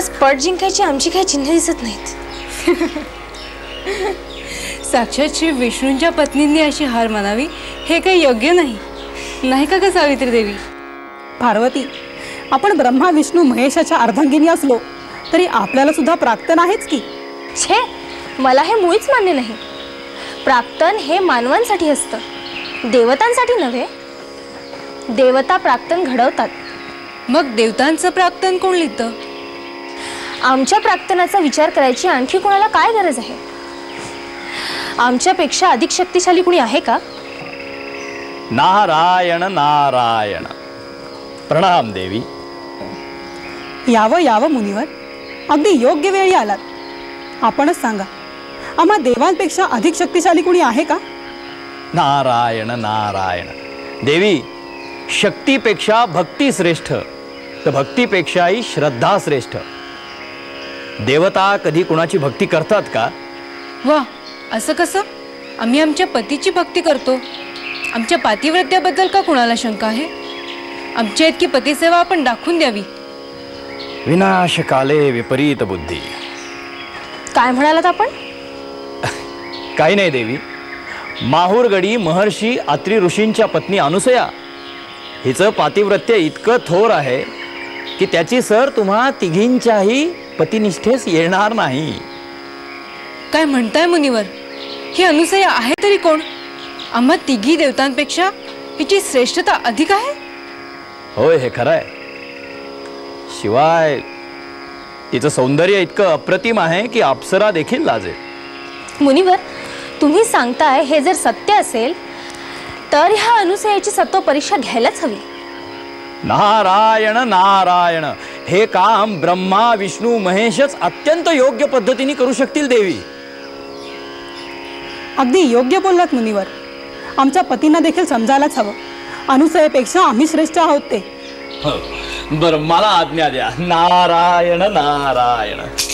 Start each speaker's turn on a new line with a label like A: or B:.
A: आज पट जिंकायची आमची काही चिन्ह दिसत नाहीत.
B: साक्षात श्री विष्णूंच्या पत्नींनी अशी हार मानावी हे काही योग्य नाही, नाही का ग सावित्री देवी?
C: पार्वती, आपण ब्रह्मा विष्णू महेशाच्या अर्धांगिनी असलो तरी आपल्याला सुद्धा प्राक्तन आहेच की.
A: छे, मला हे मुळीच मान्य नाही. प्राक्तन हे मानवांसाठी असतं, देवतांसाठी नव्हे. देवता प्राक्तन घडवतात.
B: मग देवतांचं प्राक्तन कोण लिहितं?
A: आमच्या प्राक्तनाचा विचार करायची आणखी कोणाला काय गरज आहे? आमच्यापेक्षा अधिक शक्तिशाली कुणी आहे का?
D: नारायण नारायण. प्रणाम देवी.
C: यावं यावं मुनिवर, अगदी योग्य वेळी आलात. आपणच सांगा, आम्हा देवांपेक्षा अधिक शक्तिशाली कुणी आहे का?
D: नारायण नारायण. देवी, शक्तीपेक्षा भक्ती श्रेष्ठ, तर भक्तीपेक्षाही श्रद्धा श्रेष्ठ. देवता कधी कुणाची भक्ती करतात का?
B: वा, असं कसं? आम्ही आमच्या पतीची भक्ती करतो. आमच्या पातिव्रत्याबद्दल का कुणाला शंका आहे? आमच्या इतकी पतिसेवा आपण दाखवून द्यावी.
D: विनाशकाले विपरीत बुद्धी.
A: काय म्हणालात आपण?
D: काही नाही देवी. माहूरगडी महर्षी अत्री ऋषींच्या पत्नी अनुसया हिचं पातिव्रत्य इतकं थोर आहे की त्याची सर तुम्हा तिघींच्याही पतिनिष्ठेस येणार नाही.
B: काय म्हणताय मुनिवर? ही अनुसया आहे तरी कोण? आम्हा तिघी देवतांपेक्षा हिची श्रेष्ठता अधिक आहे.
D: होय, हे खरं आहे. शिवाय तिचं सौंदर्य इतकं अप्रतिम आहे की अप्सरा देखील लाजेल.
A: मुनिवर, तुम्ही सांगताय हे जर सत्य असेल तर ह्या अनुसयाची सत्व परीक्षा घ्यायलाच हवी.
D: नारायण नारायण. हे काम ब्रह्मा विष्णू महेशच अत्यंत योग्य पद्धतीने करू शकतील देवी.
C: अगदी योग्य बोललात मुनिवर. आमच्या पतींना देखील समजायलाच हवं, अनुसयेपेक्षा आम्ही श्रेष्ठ आहोत ते.
D: बरं, मला आज्ञा द्या. नारायण नारायण.